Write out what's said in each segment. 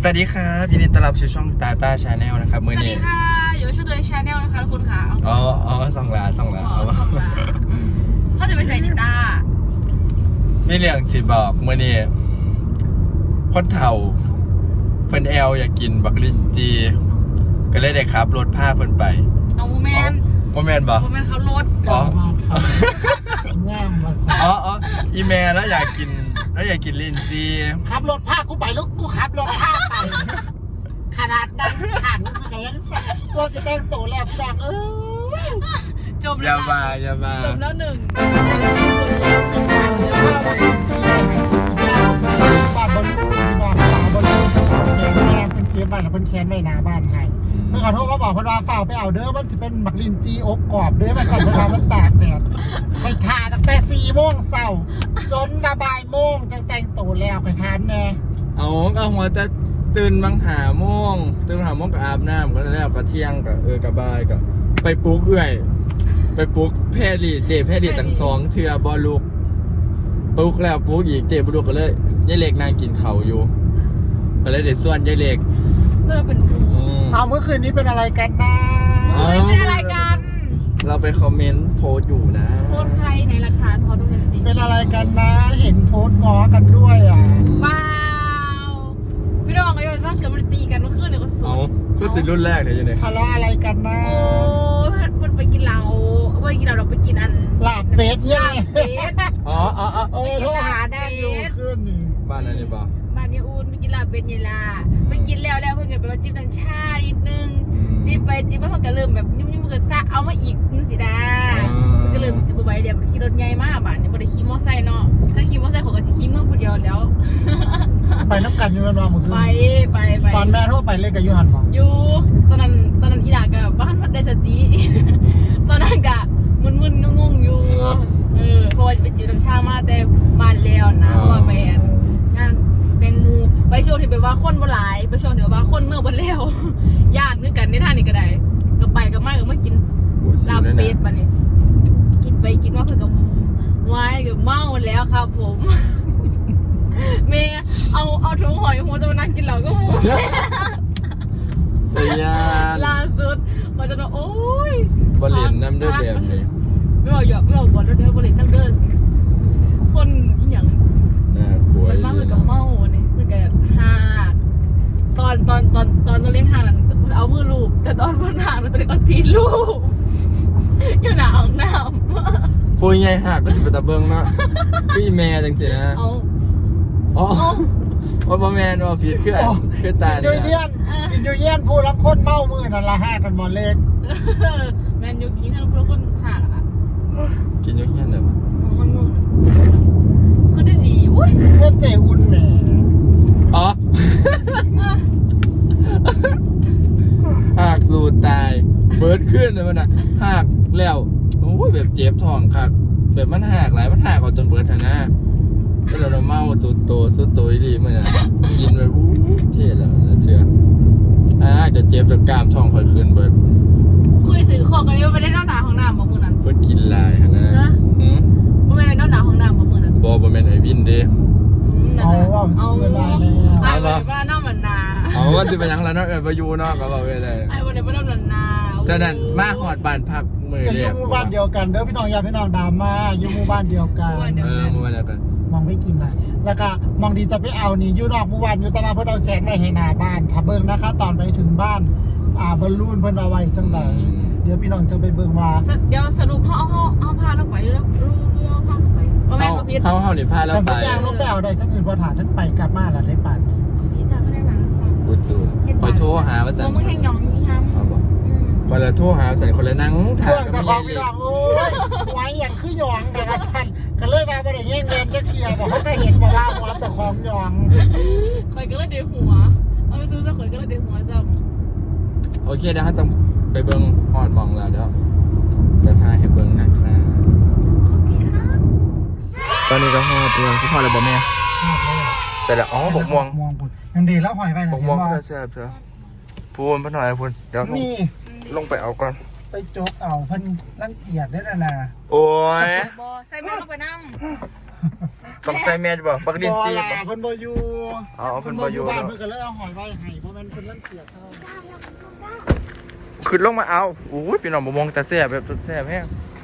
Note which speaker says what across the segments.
Speaker 1: วัสดีครับยินดีต้อนรับสู่ช่องตาตาชาแนลนะครับ
Speaker 2: สวัสดีค่ะอยู่ช่องตัวชาแนลนะคะทุกคนค่ะ
Speaker 1: อ๋อส่องหลา
Speaker 2: เขาจะไปใส่นิต้า
Speaker 1: มีเรื่องสิบอกเมื่อนี้คนเฒ่าเพิ่นอยากกินบักลินจีก็เลยได้ขับรถพาเพิ่นไป
Speaker 2: เอาโมเมนต์
Speaker 1: บ่
Speaker 2: เขารถ
Speaker 3: ง่ามมาสิ
Speaker 1: อีแม่แล้วอยากกินลินจี
Speaker 3: ขับรถพากูไปลูกกูขับรถพาไปขนาดนั้นขาดมันสกายยังโซ่จะแต่งตัวแล้วดัง
Speaker 2: จมแล้ว
Speaker 1: อย่ามา
Speaker 2: จมแล้วหนึ่ง
Speaker 3: ข้าวมันกินที่ไหนสิบแล้วบ้านบอลลูนพี่น้องสาวบอลลูนแขนแม่เพิ่นเก็บไว้แล้วเพิ่นแขนไว้หน้าบ้านไทยเพิ่นขอโทษมาบอกเพิ่นว่าฝ้าไปเอาเด้อมันสิเป็นบักลินจีอบกรอบเด้อมาใส่เวลามันตากแดดไปทาตั้งแต่4 โมงเช้าจนบ่ายโมงจังแต่งตัวแล้วไปทานแม่
Speaker 1: ก็หัวจะตื่นบังหาโมงก็อาบน้ำก็แล้วก็เที่ยงก็ก็บ่ายก็ไปปลุกไปปลุกแพรี่ตั้ง2 เทื่อบ่ลุกปลุกแล้วปลุกอีกเจบ่ลุกก็เลยยายเล็กนั่งกินข้าวอยู่ก็เลยได้ส่วนยายเล็ก
Speaker 2: จะเป็น
Speaker 3: เมื่อคืนนี้เป็นอะไรกันนะ
Speaker 2: เป็นอะไรกัน
Speaker 1: เราไปคอมเมนต์โพสอยู่นะ
Speaker 2: โพสใครในราคาพอดูหน่อยสิ
Speaker 3: เป็นอะไรกันนะเห็นโพสง้อกันด้วย
Speaker 2: ว้าวพี่น้องก็ยังว่าเกิดมันตีกันเมื่อคืนเนี่ยก็สุด
Speaker 1: คือสิรุ่นแรกเลยยังไง
Speaker 3: ทะเลาะอะไรกันนะ
Speaker 2: โอ้มันไปกินเราเราไปกินอัน
Speaker 3: หลาบเฟสย่าง
Speaker 2: โท
Speaker 3: รหาได้อยู่ขึ้น
Speaker 1: บ้านอะไรบ้าง
Speaker 2: บ้านยาอูนไปกินลาบเป็นยาลาไปกินแล้วเพื่อนก็ไปว่าจิ้มน้ำชาอีกนึงจิ้มไปเพื่อนก็เริ่มแบบยุ่งก็ซะเอามาอีกนึงสิดาเพื่อนก็เริ่มสิบใบเดียวขี่รถใหญ่มากบ้านเนี่ยบ่ได้ขี่มอไซค์เนาะถ้าขี่มอไซค์เขาก็สิขี่มือคนเดียวแล้ว
Speaker 3: ไปน้ำกันอยู่กันว่ามึง
Speaker 2: ไป
Speaker 3: ตอนแม่โทรไปเลยกับยูฮันบอก
Speaker 2: อยู่ตอนนั้นอีดากับบ้านพัดได้สติตอนนั้นกะมึนงงอยู่เพราะว่าไปจิ้มน้ำชามาแต่บ้านแล้วนะว่าไปงานแตงมูไปช่วงที่แบบว่าคนบ่หลายไปช่วงที่แบบว่าคนเมื่อบ่แล้วญาตินึกกันในท่านี้ก็ได้ก็ไปก็มากินลาบเป็ดปะนี่กินไปกินมาเพิ่นก็วายก็เมาแล้วครับผมเมย์เอาถุงหอยหัวตัวนั้นกินเหล้าก็มูล่าสุดมันจะโอ้ย
Speaker 1: บริณน้ำเด้อแบบนี้
Speaker 2: ไม่บอกก่อนแล้วเด้อบริณน้ำเด้อคนอีหยังมันมาเหมือนกับเมาเนี่ยเหมือนกับหากตอนตัวเล่นหากนั้นมันเอามือลูบแต่ตอนบนหากมันตัวเล็กเอาตีลูบอยู่หนาวน้ำ
Speaker 1: ฟูยใหญ่หักก็จะเป็นตะเบิงเนาะพี่แม่จังสินะว่าแม่ว่าผิดคือตา
Speaker 3: เนี่ยอินโดเยียนผู้รักคนเมามือนั่นละห้ากันหมดเล็ก
Speaker 2: แมนยูกินให้ผู้รักคนหากอ่ะ
Speaker 1: กินยูเยียนเด้อ
Speaker 2: มันงงคือได้ดีอุ้ย
Speaker 3: เพื่อนเจอุ่นแหม
Speaker 1: หักสูดตายเบิร์ดขึ้นเลยมันอะหักแล้วโอ้ยแบบเจ็บท้องคักแบบมันหักหลายมันหักออกจนเบิร์ดนะก็เราเมาสุดโตดีมันอะกินไปเท่แล้วเชื่อจะเจ็บจากกล้ามท้องค่อยขึ้นเบิร์ด
Speaker 2: คุยถือของกันนี่ว่าไม่ได้นอนหนาของน้ำบ่มือนั้น
Speaker 1: เฟิร์สกินลายฮะนะ
Speaker 2: ไม่ได้นอนหนาของน้ำบ่มือนั้น
Speaker 1: บ่เป็นไอวินเด้
Speaker 3: เอา
Speaker 2: ไอ้บ้านน้ำมันนา
Speaker 1: ว่าจะไปยังแล้วเนาะไปยูเนาะก็บอกไปเลย
Speaker 2: ไอ้วันนี้บ้านน้ำมันนา
Speaker 1: แต่นั่นมาหอดบ้านพักมือ
Speaker 3: เรียกหมู่บ้านเดียวกันเด้อพี่น้องญาติพี่น้องดามาอยู่หมู่บ้านเดียวกัน
Speaker 1: หมู่บ้านเดียวกัน
Speaker 3: มองไม่กินนะแล้วก็มองดีจะไปเอานี่ยูนอกหมู่บ้านอยู่ตะมาเพื่อนเอาแขนไว้ให้หน้าบ้านถ้าเบิ่งนะคะตอนไปถึงบ้านบอลลูนเพิ่นเอาไว้จังไดเดี๋ยวพี่น้องจะไปเบิ่งว่า
Speaker 2: เดี๋ยวสรุปเอาพาเราไปแล้วพาไปว่าแม่ก็พีด
Speaker 1: เขานี่พาเราไป
Speaker 3: สัญญาณลงไปเอาได้สักสิบพอถาฉันไปกลับมาแล้วได้ปั่น
Speaker 2: พีดตาก็ได้มาสั่ง
Speaker 1: พูดสูคอยโทรหาว่าสั่ง
Speaker 2: มึงแห้งยองนี่ครับ
Speaker 1: วันละโทรหาสั่งคนละนั่ง
Speaker 3: ถ่ายจะของพี่น้องโอ้ยไว้อย่างคือยองแต่ละสั่นก็เลยมาบ่ได้แย่งเงินจะเคลียร์บอกเขาก็เห็นบอกว่าหัวจะของยอง
Speaker 2: คอยก็เลยเดือดหัวเอาไปซื้อจะคอยก็เลยเดือดหัวจ้ะ
Speaker 1: โอเคเดี๋ยวเขาจะไปเบิ้งหอดมองแล้วเดี๋ยวจะถ่ายให้เบิ้งนะครับ
Speaker 2: โอเคครับ
Speaker 1: ตอนนี้ก็หอดเรื่องที่พอแล้วบ่แม่เสร็จแล้วบกม่วง
Speaker 3: ยังดีแล้วหอยไป
Speaker 1: บกม่วงก็แซ่บเถอะพูนพ่อหน่อยพูนเดี๋ยวลงไปเอาก่อน
Speaker 3: ไปโจกเอาเพิ่นรังเกียจได้นะ
Speaker 1: โอ้ย
Speaker 2: ใส่แม่ลงไปน้ำ
Speaker 1: ต้องใส่แมสบ่บักดินจี
Speaker 3: บ่
Speaker 1: บ่
Speaker 3: ล่ะเพิ่นบ่อยู่
Speaker 1: อ๋อเพิ่นบ่อยู่
Speaker 3: บ้านเพิ่นก็เลยเอาหอยไว้ให้เพราะมันเพิ่นเล่นเสียเขา
Speaker 1: ขึ้นลงมาเอาอู้ยพี่น้องบ่มองแต่แซ่บแบบสุดแซ่บแฮง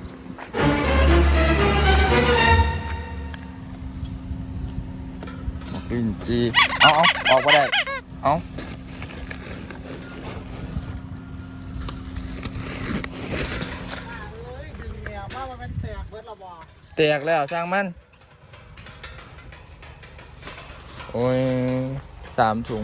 Speaker 1: บักดินจีเอาออกบ่ได้เอา
Speaker 3: เอ้ยดึงแนวมาว่ามันแตกเบิดและบ่
Speaker 1: แตกแล้วช่างมันโอ้ย3 ถุง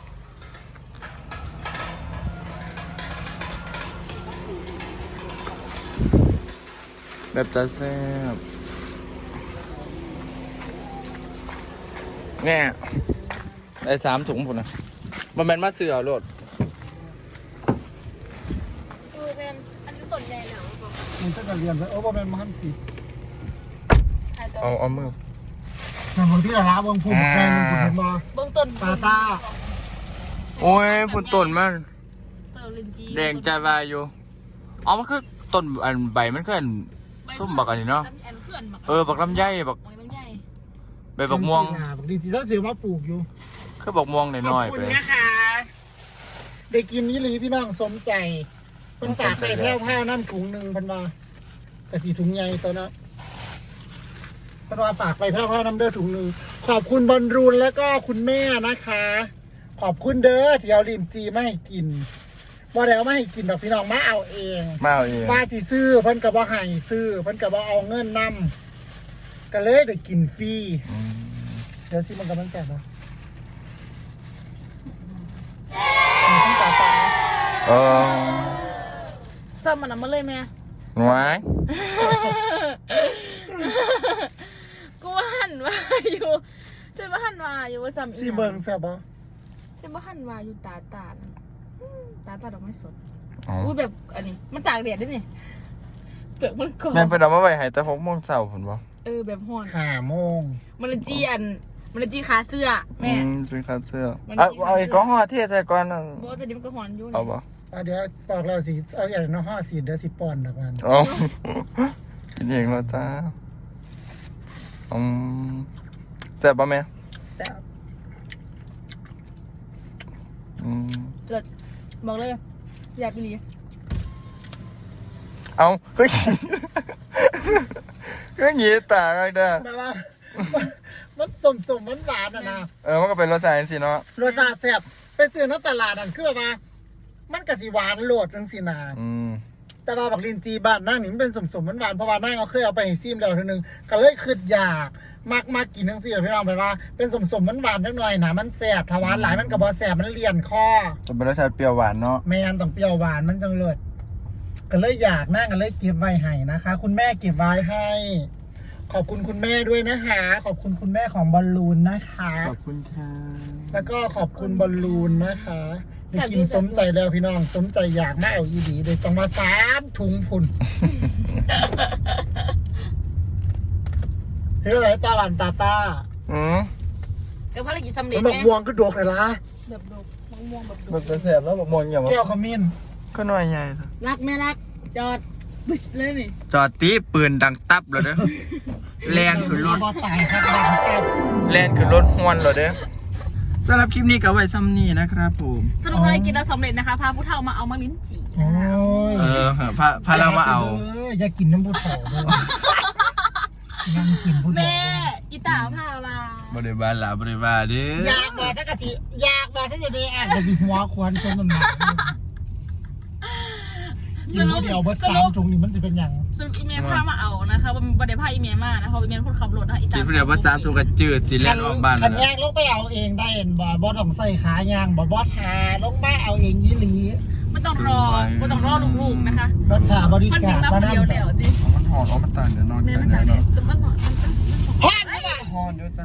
Speaker 1: แบบจะแซ่บแง่ได้3 ถุงพุ่นนะมันเป็นมาเสือโลด
Speaker 2: เป็นอันนี้ต้นใหญ่หนา
Speaker 3: มันก็จะเรียนไปบ่แม่นมันติด
Speaker 1: เอามือ
Speaker 3: แต่บางที่ละละเบิ่งผู้แข่งมันเห็นบ่
Speaker 2: เบื้องต้น
Speaker 3: ตา
Speaker 1: โอ้ยพุ่นต้นมัน
Speaker 2: เตอร์ลินจี
Speaker 1: แดงใจวายอยู่เอามันคือต้นอันใบมันคืออันส้มบักอันนี้เนาะ
Speaker 2: อันเขื่อนมา
Speaker 1: บักลำไยบัก
Speaker 2: มันใหญ่
Speaker 1: ใบบักม่วง
Speaker 3: บางทีสิซะสิมาปลูกอยู่
Speaker 1: คือบักม่วงหน่อยๆ
Speaker 3: ขอบ
Speaker 1: ไป
Speaker 3: คุณนะคะได้กินนี้หลีพี่น้องสมใจเพิ่นฝากไปแพ้วๆน้ำถุงหนึงเพิ่นว่าแต่สีถุงใหญ่ตัวนะเพิ่นว่าฝากไปแพ้วๆน้ำเด้อถุงหนึงขอบคุณบอลรูนแล้วก็คุณแม่นะคะ ขอบคุณเด้อที่เอาลิ้นจีมาให้กินบ่ได้เอามาให้กินดอกพี่น้องมาเอาเอง
Speaker 1: มาเอาเอง
Speaker 3: ว่าสิซื้อเพิ่นก็บ่ให้ซื้อเพิ่นก็บ่เอาเงินนำก็เลยได้กินฟรี
Speaker 1: อืม
Speaker 3: เดี๋ยวสิมันกำลังแสบบ่ต้องตาตา
Speaker 2: ซ้ำมันน่ะมาเลยแม่
Speaker 1: หน่วย
Speaker 2: กูว่าหันว่าอยู่ฉันว่าหันว่าอยู่ว่าซ้ำอี
Speaker 3: สิเบิ่งแสบบ่
Speaker 2: ฉันว่าหันว่าอยู่ตาตาดดอกไม้สด
Speaker 1: อ๋อ
Speaker 2: อู้แบบอันนี้มันตากแดดด้วยนี่เปลือกมันกรอบ
Speaker 1: แม่นเพิ่นเอามาไว้ให้แต่6 โมงเช้าพุ่นบ่
Speaker 2: แบบห่อน
Speaker 3: 5 โมง
Speaker 2: มันเลยจีมันเลยจีขาเสื้อแม่
Speaker 1: ซื้อคาเสื้อ
Speaker 2: มัน
Speaker 1: เอาอีกก้อนห่อเทใส่ก่อนนะ
Speaker 2: บอกว่าแต่นี้มันก็ห่อนอยู่
Speaker 1: เอาบ่
Speaker 3: เดี๋ยวบอกเราสิเอาอย่างน้อย5 4เดี๋ยวสิป้อนดอกมัน
Speaker 1: เอากินเองแล้วจ้าแซ่บป่ะแม่
Speaker 3: แต่
Speaker 2: เลิศบอกเลยอยากไปดี
Speaker 1: เอาเฮ้ยก็หยีตาเลยเด้อ
Speaker 3: แบบว่ามันสมๆหวานๆน่ะนะ
Speaker 1: มันก็เป็นรสชาติสิเนาะ
Speaker 3: รสชาติแซ่บไปซื้อน้ำตลาดนั่นคือแบบว่ามันก็สิหวานโลดจังซี่นะ แต่ว่าบักลินจีบ้านนั่งนี่มันเป็นสมๆหวานๆเพราะว่านั่งเอาเคยเอาไปให้ซิมแล้วทีนึงก็เลยคิดอยากมากกินทั้งสี่พี่น้องไปว่าเป็นสมๆหวานๆจังหน่อยนะมันแซ่บถ้าหวานหลายมันก็บ่แซ่บมันเลี่ยนคอ
Speaker 1: จะเป็นรสชาติเปรี้ยวหวานเนาะ
Speaker 3: แม่นต้องเปรี้ยวหวานมันจังเลิศก็เลยอยากนั่งก็เลยเก็บไว้ให้นะคะ คุณแม่เก็บไว้ให้ ขอบคุณคุณแม่ด้วยนะคะขอบคุณคุณแม่ของบอลลูนนะคะ
Speaker 1: ขอบคุณค่ะ
Speaker 3: แล้วก็ขอบคุณบอลลูนนะคะได้กินสมใจแล้วพี่น้องสมใจอยากมาเอาอีดีเลยต้องมา3 ถุงพุ่น เฮ้ยอะไรตาหวานตา
Speaker 2: ก็ภารกิจสำเร็
Speaker 3: แล้
Speaker 2: จ
Speaker 3: วหมก
Speaker 2: ไง
Speaker 3: ม่วงก็ดกเลยล่ะ
Speaker 2: แบบดกมะม่วงแบบด
Speaker 1: มัน
Speaker 2: ก
Speaker 1: เป็นแสบแล้วบอกมองอย่าง
Speaker 3: แก้
Speaker 1: ว่า
Speaker 3: วขมิ้น
Speaker 1: ก็น้อยใหญ่
Speaker 2: รักแม่รักจอดบึ้ชเลยนี่
Speaker 1: จอดตีปืนดังตับเลยเด้อแลนขึ้นรถ
Speaker 3: บ่ตายครับแรงแอบ
Speaker 1: แลนขึ้นรถห้วนเลยเด้อสำหรับคลิปนี้ก็ไว้ซ้ำนี่นะครับผม
Speaker 2: สรุปภารกิจเราสำเร็จนะคะพาผู้เฒ่ามาเอามาลิ้นจี่
Speaker 3: โอ้ย
Speaker 1: พาเรามาเอา
Speaker 3: อย่ากินน้ำผู้เฒ่าด้วยยังกินผู้เฒ่า
Speaker 2: แม่อีตาพามา
Speaker 1: บริบาลละบริบาลเด้อ
Speaker 3: อยากมาสักกะสิอยากมาสักจะได้อ่ะกะสิหัวควรคนมันหนักกินผู้เดียวเบิด3 ถุงนี่มันจะเป็นอย่าง
Speaker 2: สรุปอีเมลพามาเอานะคะบันไดพาอีเมลมานะคะอีเมลคนขับรถนะคะอีตา
Speaker 1: ที่เดียวว่า3 ถูกกระจืดสิแล่นออกบ้าน
Speaker 3: คัน
Speaker 1: นะ
Speaker 3: แยกลงไปเอาเองได้เห็นบ่ต้องใส่ขายางบ่ทาลงมาเอาเองยี่หลี
Speaker 2: ไม่ต้องรอลูกๆนะคะ
Speaker 3: รถขาบริ
Speaker 2: มัน
Speaker 3: กา
Speaker 2: มี
Speaker 3: ร
Speaker 2: มาคนเดียวแล้วดิ
Speaker 1: มันหอนมันต่างเดี๋ยวนอน
Speaker 2: แม่มันตากแดดแต่มันหนอนมันก็
Speaker 3: ฮอนไม่ได้
Speaker 1: หอนอยู่จ้า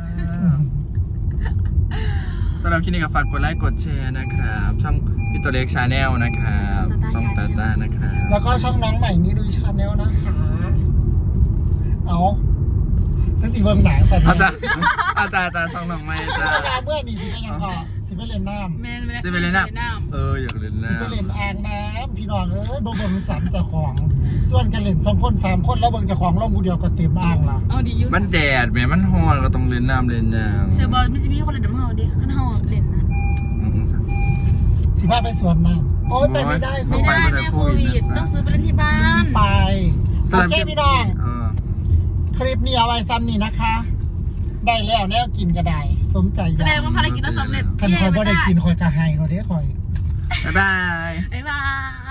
Speaker 1: สำหรับคลิปนี้ก็ฝากกดไลค์กดแชร์นะครับช่องพี่ตัวเล็กชาแนลนะครับช่องตาตานะครับ
Speaker 3: แล้วก็ช่องน้องใหม่นี้ดูชาแนลนะคะเอาฉันสีเบิ่งหนังสัตว์
Speaker 1: อาจารย์ช่องน้องไม่จ้า
Speaker 3: เมื่อนี่สิเป็นยังพอสิไปเล่นน้ำ
Speaker 2: แม่น
Speaker 1: จะไปเล่นน้ำอยากเล่น
Speaker 3: สิ
Speaker 1: น้ำ
Speaker 3: ไปเล่นอ่างน้ำพี่น้องเอ้ยบ่เบิ่งสันเจ้าของส่วนกันเล่น2 คน 3 คนแล้วเบิ่งเจ้าของลงผู้เดียวก็เต็มอ่างละ
Speaker 2: เอาดีอยู่
Speaker 1: มันแดดแม่มันร้อนก็ต้องเล่นน้ำเล่นน้ำ
Speaker 2: เซอร์บอลไม่ใช่มีคนเล่นน้ำเฮาดิอันเฮาเล่นนะ
Speaker 3: สิพาไปสวนน้ำโอ๊ยไปไม่ได้
Speaker 2: ไม่ได้แม่โควิดต้องซื้อไปเล่นที่บ้าน
Speaker 3: ไปโอเคพี่น้องคลิปนี้เอาไว้ซ้ำนี่นะคะ ได้แล้วแนวกินก็ได้สมใจอ
Speaker 2: แส
Speaker 3: ยา
Speaker 2: ดง
Speaker 3: ก
Speaker 2: ว่าภารกิจเราสำเร็จ
Speaker 3: คันคอยบ่ได้กินคอยกระไฮเราเด้คอย
Speaker 1: บ๊ายบาย
Speaker 2: บ๊ายบาย